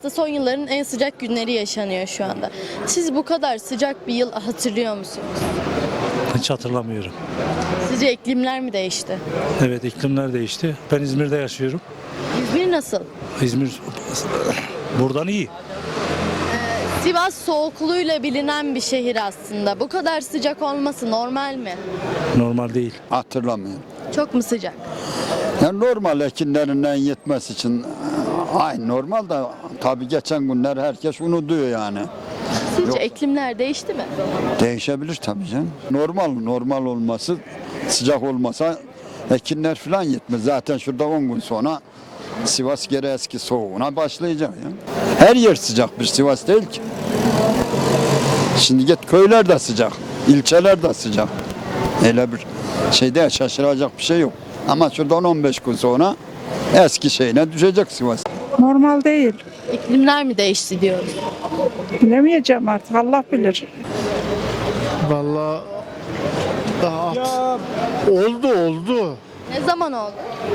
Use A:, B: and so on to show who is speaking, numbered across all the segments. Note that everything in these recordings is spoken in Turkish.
A: Son yılların en sıcak günleri yaşanıyor şu anda. Siz bu kadar sıcak bir yıl hatırlıyor musunuz?
B: Hiç hatırlamıyorum.
A: Sizce iklimler mi değişti?
B: Evet, iklimler değişti. Ben İzmir'de yaşıyorum.
A: İzmir nasıl?
B: İzmir buradan iyi.
A: Sivas soğukluğuyla bilinen bir şehir aslında. Bu kadar sıcak olması normal mi?
B: Normal değil.
C: Hatırlamıyorum.
A: Çok mu sıcak?
C: Yani normal ekinlerinden yetmesi için aynı normal da tabii geçen günler herkes unutuyor yani.
A: Sizce iklimler değişti mi?
C: Değişebilir tabii canım. Normal olması, sıcak olmasa ekinler falan yetmez. Zaten şurada 10 gün sonra Sivas geri eski soğuğuna başlayacak ya. Her yer sıcak bir Sivas değil ki. Şimdi git köyler de sıcak, ilçeler de sıcak. Öyle bir şeyde şaşıracak bir şey yok. Ama şuradan 15 gün sonra eski şeyine düşecek Sivas.
D: Normal değil.
A: İklimler mi değişti diyoruz?
D: Bilemeyeceğim artık, Allah bilir.
E: Vallahi oldu.
A: Ne zaman oldu?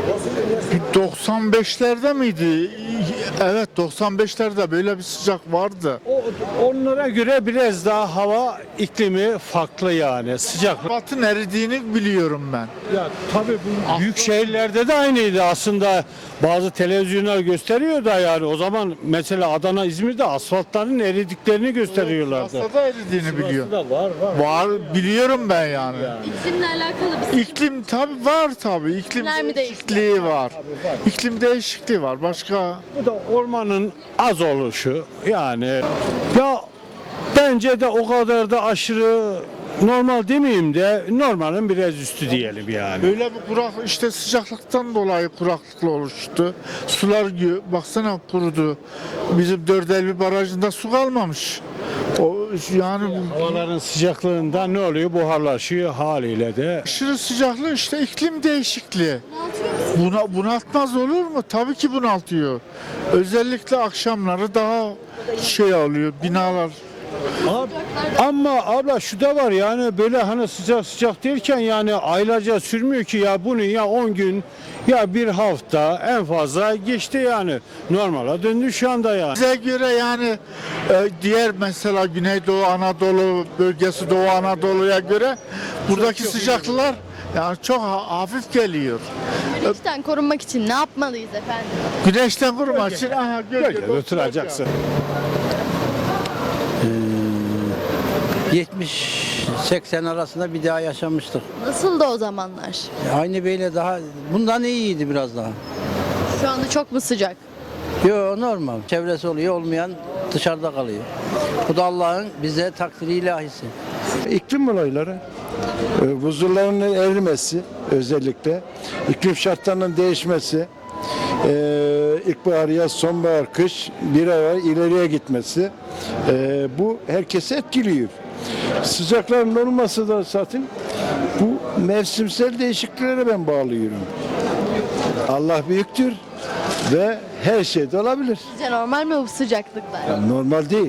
E: 95'lerde miydi? Evet, 95'lerde böyle bir sıcak vardı.
F: Onlara göre biraz daha hava iklimi farklı yani sıcak.
E: Batın eridiğini biliyorum ben.
F: Ya tabii bu büyük şehirlerde de aynıydı aslında. Bazı televizyonlar gösteriyor da yani o zaman mesela Adana, İzmir'de asfaltların eridiklerini gösteriyorlardı.
E: Sivas'ta da eridiğini biliyorum.
F: Var.
E: Var, biliyorum ben yani.
A: İklimle alakalı bir
E: İklim tabii var tabii. İklim
A: İklimler mi
E: değişikliği var. İklim değişikliği var. Başka
F: Bu da ormanın az oluşu yani. Ya bence de o kadar da aşırı normal demeyeyim de normalin biraz üstü diyelim yani.
E: böyle bir kurak işte sıcaklıktan dolayı kuraklıkla oluştu. Sular baksana kurudu. Bizim Dördelbi Barajı'nda su kalmamış. O yani
F: Havaların sıcaklığında ne oluyor? Buharlaşıyor haliyle de.
E: aşırı sıcaklığı işte iklim değişikliği. Bunaltmaz olur mu? Tabii ki bunaltıyor. Özellikle akşamları daha şey oluyor binalar.
F: Ama abla şu da var yani böyle hani sıcak derken yani aylarca sürmüyor ki ya bunu ya 10 gün ya bir hafta en fazla geçti yani. Normala döndü şu anda yani.
E: Bize göre yani diğer mesela Güneydoğu Anadolu bölgesi Doğu Anadolu'ya göre buradaki sıcaklıklar yani çok hafif geliyor.
A: güneşten korunmak için ne yapmalıyız efendim?
E: Güneşten korumak için
F: Gölgede oturacaksın.
G: 70-80 arasında bir daha yaşamıştık.
A: Nasıl da o zamanlar?
G: Aynı böyle daha bundan iyiydi biraz daha.
A: Şu anda çok mu sıcak?
G: Yo normal. Çevresi oluyor olmayan dışarıda kalıyor. Bu da Allah'ın bize takdiri ilahisi.
H: İklim olayları, buzulların erimesi özellikle, iklim şartlarının değişmesi, ilkbahar, yaz, sonbahar, kış bir ay ileriye gitmesi bu herkesi etkiliyor. Sıcakların olması da zaten bu mevsimsel değişikliklere ben bağlıyorum. Allah büyüktür ve her şey de olabilir.
A: Sizce normal mi bu sıcaklıklar?
H: Normal değil.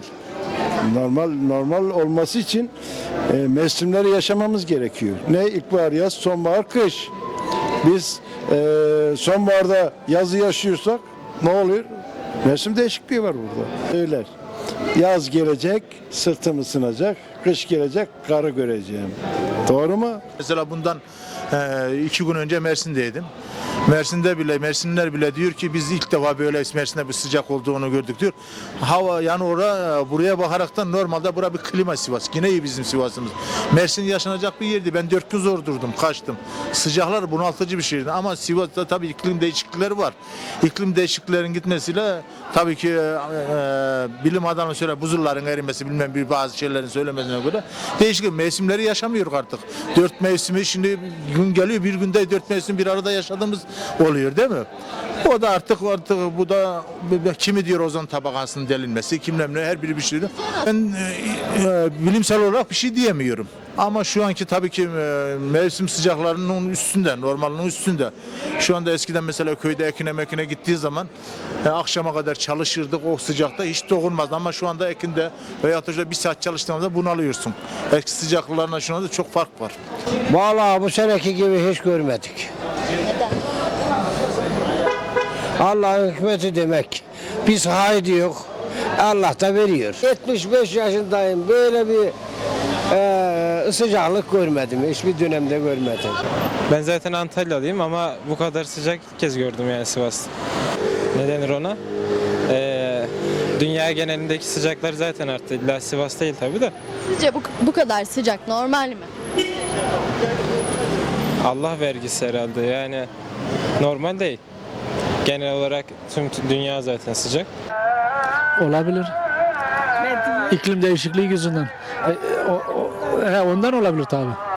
H: Normal olması için mevsimleri yaşamamız gerekiyor. Ne ilkbahar, yaz, sonbahar, kış. Biz sonbaharda yazı yaşıyorsak ne oluyor? Mevsim değişikliği var burada. Öyle. Yaz gelecek, sırtım ısınacak. Kış gelecek, karı göreceğim. Doğru mu?
I: Mesela bundan 2 gün önce Mersin'deydim. Mersinliler bile diyor ki biz ilk defa böyle Mersin'de bir sıcak olduğunu gördük diyor. Hava yani buraya bakaraktan normalde bura bir klima Sivas. Yine iyi bizim Sivas'ımız. Mersin yaşanacak bir yerdi. Ben 4 gün zor durdum, kaçtım. Sıcaklar bunaltıcı bir şehirdi ama Sivas'ta tabii iklim değişiklikleri var. İklim değişikliklerin gitmesiyle tabii ki bilim adamı söyle buzulların erimesi bilmem bir bazı şeylerin söylemesine göre değişik mevsimleri yaşamıyoruz artık. 4 mevsimi şimdi gün geliyor bir günde 4 mevsim bir arada yaşadığımız oluyor değil mi? O da artık bu da kimi diyor ozon tabakasının delinmesi, kimler ne her biri bir şey diyor. Ben bilimsel olarak bir şey diyemiyorum. Ama şu anki tabii ki mevsim sıcaklarının üstünde, normalinin üstünde. Şu anda eskiden mesela köyde ekine gittiği zaman akşama kadar çalışırdık o sıcakta hiç dokunmazdı. Ama şu anda ekinde veya da bir saat çalıştığımızda bunalıyorsun. Eski sıcaklıklarına şu anda çok fark var.
J: Vallahi bu seneki gibi hiç görmedik. Allah'ın hikmeti demek. Biz haydi yok. Allah da veriyor. 75 yaşındayım. Böyle bir sıcaklık görmedim. Hiçbir dönemde görmedim.
K: Ben zaten Antalyalıyım ama bu kadar sıcak ilk kez gördüm yani Sivas'ta. Ne denir ona? Dünya genelindeki sıcaklar zaten arttı. İlla Sivas değil tabii de.
A: Sizce bu kadar sıcak normal mi?
K: Allah vergisi herhalde yani normal değil. Genel olarak tüm dünya zaten sıcak.
B: Olabilir. İklim değişikliği yüzünden. Ondan olabilir tabii.